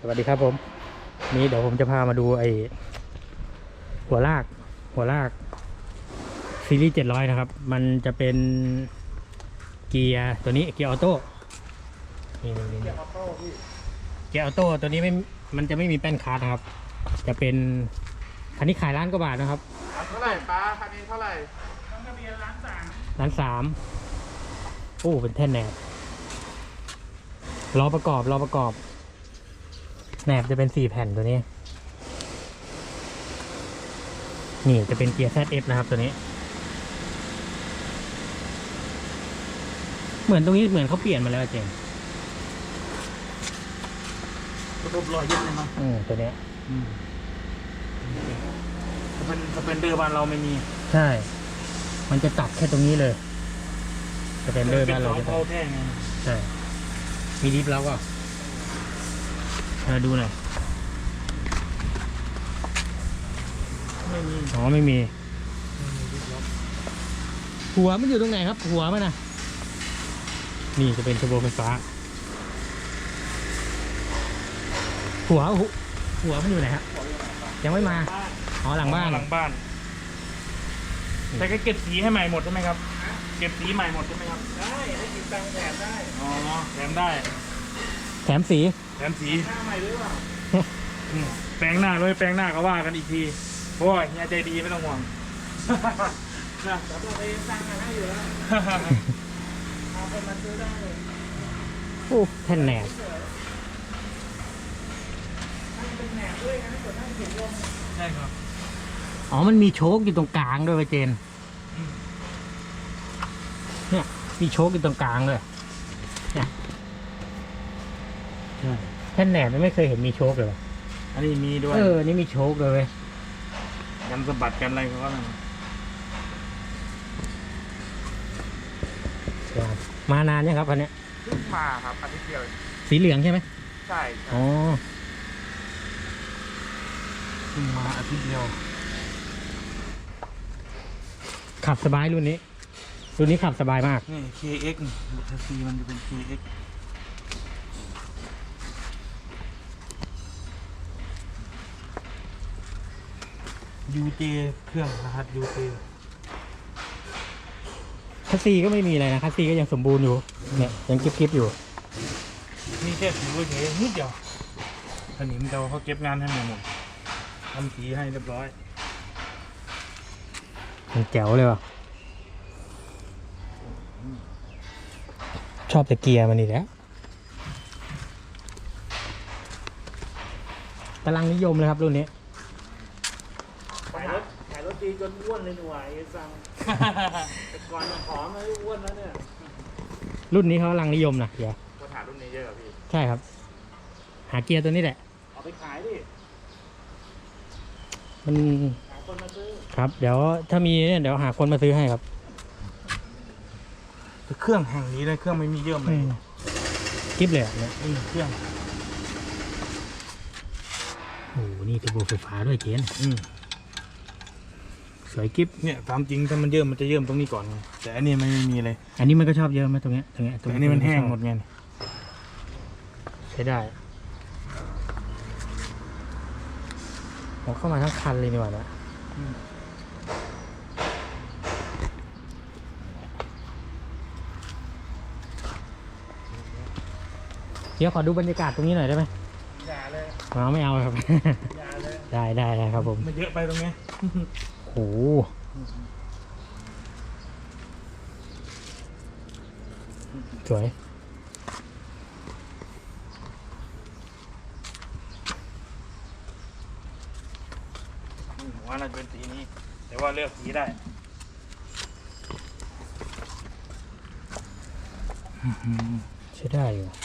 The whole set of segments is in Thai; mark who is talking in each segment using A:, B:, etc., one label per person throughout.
A: สวัสดีครับผมนี้เดี๋ยวผมจะพามาดูไอหัวลากซีรีส์700นะครับมันจะเป็นเกียร์ตัวนี้เกียร์ออโต้นี่เกียร์ออโต้พี่เกียร์ออโต้ตัวนี้มันจะไม่มีแป้นคาร์ดนะครับจะเป็นคันนี้ขาย1,000,000 กว่าบาทนะครับ
B: เท่าไหร่ป้าคันนี้เท่าไหร่ต้องทะเบียน
A: 1,300,000โอ้เป็นแท่นแหนบล้อประกอบแหนบจะเป็น4 แผ่นตัวนี้นี่จะเป็นเกียร์ ZF นะครับตัวนี้เหมือนตรงนี้เหมือนเขาเปลี่ยนมาแล้วเจม
B: ระบบรอยยึดเลยมั้ง
A: ตัวนี้
B: สเปนเดอร์บ้านเราไม่มี
A: ใช่มันจะตัดแค่ตรงนี้เลยสเปนเดอร์บ้านเราจะ
B: เข้าแท่งไง
A: ใช่มีดิฟแล้วก็ดูหน่อย
B: ไม่มี
A: อ๋อไม่มีหัวมันอยู่ตรงไหนครับหัวมันนะนี่จะเป็นเทอร์โบไฟฟ้าหัวมันอยู่ไหนครับยังไม่มาอ๋อหลังบ้าน
B: แต่ก็เก็บสีให้ใหม่หมดใช่ไหมครับเก็บสีใหม่หมดใช่ไหมครับได้ให้ติดตังแถมได้อ๋อแถมได้
A: แถมสี
B: หน้าใหม่ด้วยว่ะแปลงหน้าเลยแปลงหน้าก็ว่ากันอีกทีเพราะว่าเฮียใจดีไม่ต้องห่วงนะแต่ตัวเองตั้งให้อยู่แล้วเอาคนมาซื้อได้เลย
A: โอ้แท่นแหนบ
B: เป็นแหนบด้วยนะส่วนนั่งเขียนลงใช่ครับ
A: อ๋อมันมีโชคอยู่ตรงกลางด้วยเจนเนี่ยมีโชคอยู่ตรงกลางเลยเนี่ยแท่นแหนบไม่เคยเห็นมีโชคเลย
B: อันนี้มีด้วย
A: นี่มีโชคเลย
B: กันสะบัดกันอะไรก็
A: มานานยังครับคันนี้
B: เพิ่งมาครับอาทิตย์เดียว
A: สีเหลืองใช่ไหม
B: ใช่
A: อ๋อ
B: เพิ่งมาอาทิตย์เดียว
A: ขับสบายรุ่นนี้ขับสบายมาก
B: นี่ KX แท็กซี่มันจะเป็น KX UJ เครื่องรหัส UJ
A: คัสซีก็ไม่มีอะไรนะคัสซีก็ยังสมบูรณ์อยู่เนี่ยยังกิ๊บอยู่
B: มีแค่สีเฉยนิดเดียวอันนี้มันเขาเก็บงานให้หมดทำสีให้เรียบร้อย
A: มันแจ๋วเลยว่ะชอบแต่เกียร์มันนี่แหละกำลังนิยมเลยครับรุ่นนี้
B: ขายรถดีจนอ้วนเลยหน่วยสั่งแต่ก่อนผอมเลยอ้วนแล้วเนี่ย
A: รุ่นนี้เขากำลังนิยมนะเดี๋ยว
B: คนหารุ่นนี้เยอะพี่
A: ใช่ครับหาเกียร์ตัวนี้แหละ
B: เอาไปขายดิ
A: มัน
B: หาคนมาซื้อ
A: ครับเดี๋ยวถ้ามีเนี่ยเดี๋ยวหาคนมาซื้อให้ครับ
B: เครื่องแห่งนี้เลยเครื่องไม่มีเยื่อเลย
A: กิ๊บเลยเนี่ย
B: เครื่อง
A: โอ้โหนี่เทอร์โบไฟฟ้าด้วยเกียร์สวยกิ๊บ
B: เนี่ยตามจริงถ้ามันเยื่อมันจะเยื่อตรงนี้ก่อนแต่อันนี้ไม่มีเลย
A: อันนี้มันก็ชอบเยอะไหมตรงนี้
B: แต่อันนี้มันแห้งหมดไง
A: ใช้ได้ผมเข้ามาทั้งคันเลยนี่หว่านะเดี๋ยวขอดูบรรยากาศตรงนี้หน่อยได้ไหม
B: อย่าเลย
A: ไม่เอาครับ
B: อย่าเลย
A: ได้ครับผม
B: มันเยอะไปตรงนี้
A: โอ้สวย
B: ว่าน่าจะเป็นสีนี้แต่ว่าเลือกสีได้
A: ใช้ได้อยู่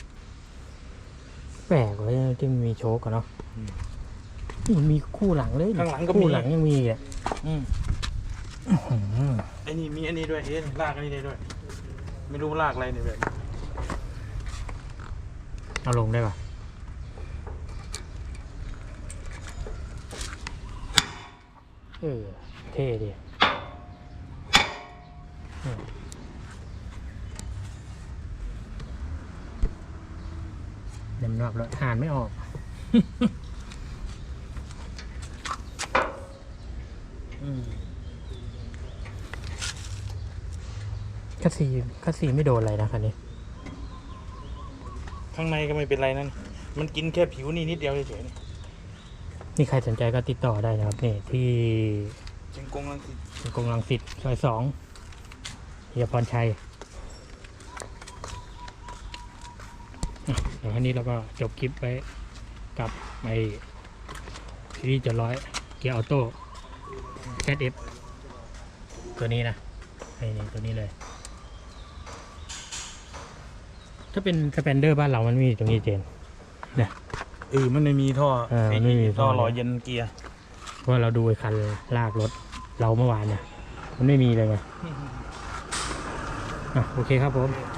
A: แปลกเลยที่มีโชคกันเนาะนี่มีคู่หลังเลย
B: ข้างหลังก็
A: คู่หลังยังมีอ่ะ
B: ไอ้นี่มีอันนี้ด้วยลากอันนี้ได้ด้วยไม่รู้ลากอะไรเนี่ยแบบ
A: เอาลงได้ป่ะเท่ดีเต็มรอบแล้วทานไม่ออกคัสซีไม่โดนอะไรนะคันนี้
B: ข้างในก็ไม่เป็นไรนั่นมันกินแค่ผิวนี่นิดเดียวเฉยๆนี่
A: นี่ใครสนใจก็ติดต่อได้นะครับนี่ที่
B: เชียงกงลังสิต
A: กงลังสิตซอย2เฮียพรชัยเดี๋ยวคันนี้เราก็จบคลิปไปกับไอซีรีส์700เกียร์ออโต้ ZF ตัวนี้นะนี่ตัวนี้เลย ถ้าเป็นสแปนเดอร์บ้านเรามันมีตรงนี้เจนเนี่ย
B: มันไม่มีท่อ
A: มันไม่มีท่
B: ท่
A: อ
B: อหล่อเย็นเกียร์
A: เพราะว่าเราดูไอ้คันลากรถเราเมื่อวานเนี่ยมันไม่มีเลยไงโอเคครับผม